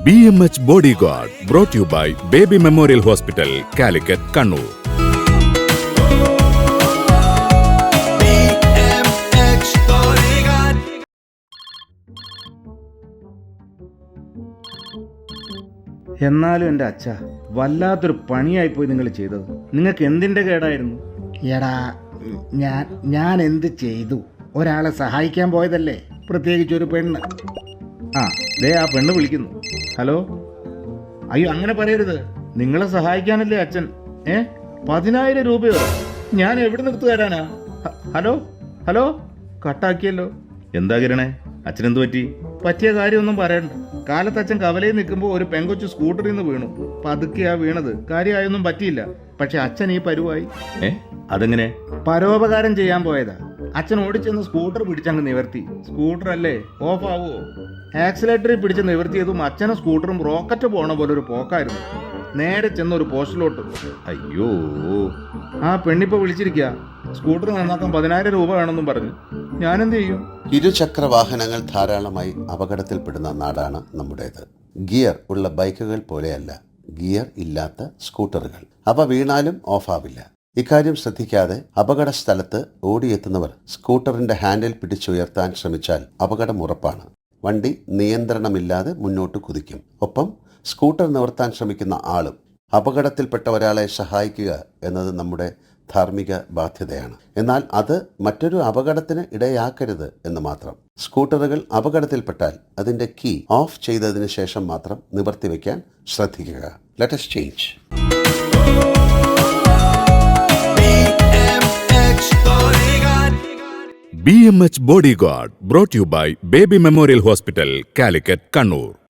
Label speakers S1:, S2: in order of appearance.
S1: BMH Bodyguard brought to you by Baby Memorial Hospital, Calicut, Kannur.
S2: BMH Bodyguard.
S3: എന്നാലും എൻ്റെ അച്ഛ വല്ലാത്തൊരു പണിയായിപ്പോയി നിങ്ങൾ ചെയ്തത്. നിങ്ങൾക്ക് എന്തിൻ്റെ കേടായിരുന്നു?
S4: എടാ ഞാൻ എന്ത് ചെയ്തു? ഒരാളെ സഹായിക്കാൻ പോയതല്ലേ, പ്രത്യേകിച്ചൊരു പെണ്ണ്.
S3: ആ പെണ്ണ് വിളിക്കുന്നു. ഹലോ. അയ്യോ, അങ്ങനെ പറയരുത്. നിങ്ങളെ സഹായിക്കാനല്ലേ അച്ഛൻ. 10,000 രൂപയോ? ഞാൻ എവിടെ നിർത്തി തരാനാ? Hello hello, കട്ടാക്കിയല്ലോ. എന്താ കിരണേ, അച്ഛനെന്ത് പറ്റി? പറ്റിയ കാര്യമൊന്നും പറയണ്ട. കാലത്ത് അച്ഛൻ കവലയിൽ നിൽക്കുമ്പോൾ ഒരു പെങ്കൊച്ചു സ്കൂട്ടറിൽ നിന്ന് വീണു. പതുക്കെയാ വീണത്, കാര്യമായൊന്നും പറ്റിയില്ല. പക്ഷെ അച്ഛൻ ഈ പരുവായി. അതെങ്ങനെ? പരോപകാരം ചെയ്യാൻ പോയതാ. അച്ഛൻ ഓടിച്ചെന്ന് സ്കൂട്ടർ പിടിച്ചങ്ങ് നിവർത്തി. സ്കൂട്ടർ അല്ലേ, ഓഫ് ആവുമോ? ആക്സിലേറ്ററിൽ പിടിച്ച് നിവർത്തിയതും അച്ഛനും സ്കൂട്ടറും റോക്കറ്റ് പോണ പോലെ ഒരു പോക്കായിരുന്നു. നേരെ ചെന്നൊരു പോസ്റ്റിലോട്ട്. അയ്യോ, ആ പെണ്ണിപ്പോ വിളിച്ചിരിക്കുക. സ്കൂട്ടർ നന്നാക്കാൻ 10,000 രൂപ വേണമെന്നും പറഞ്ഞു. ഞാനെന്ത് ചെയ്യും?
S5: ഇരുചക്ര വാഹനങ്ങൾ ധാരാളമായി അപകടത്തിൽപ്പെടുന്ന നാടാണ് നമ്മുടേത്. ഗിയർ ഉള്ള ബൈക്കുകൾ പോലെയല്ല ഗിയർ ഇല്ലാത്ത സ്കൂട്ടറുകൾ. അവ വീണാലും ഓഫാവില്ല. ഇക്കാര്യം ശ്രദ്ധിക്കാതെ അപകട സ്ഥലത്ത് ഓടിയെത്തുന്നവർ സ്കൂട്ടറിന്റെ ഹാൻഡിൽ പിടിച്ചുയർത്താൻ ശ്രമിച്ചാൽ അപകടം ഉറപ്പാണ്. വണ്ടി നിയന്ത്രണമില്ലാതെ മുന്നോട്ട് കുതിക്കും. ഒപ്പം സ്കൂട്ടർ നിവർത്താൻ ശ്രമിക്കുന്ന ആളും. അപകടത്തിൽപ്പെട്ട ഒരാളെ സഹായിക്കുക എന്നത് നമ്മുടെ ധാർമ്മിക ബാധ്യതയാണ്. എന്നാൽ അത് മറ്റൊരു അപകടത്തിന് ഇടയാക്കരുത് എന്ന് മാത്രം. സ്കൂട്ടറുകൾ അപകടത്തിൽപ്പെട്ടാൽ അതിന്റെ കീ ഓഫ് ചെയ്തതിനു ശേഷം മാത്രം നിവർത്തി വയ്ക്കാൻ ശ്രദ്ധിക്കുക. Let us change.
S1: BMH Bodyguard brought to you by Baby Memorial Hospital, Calicut, Kannur.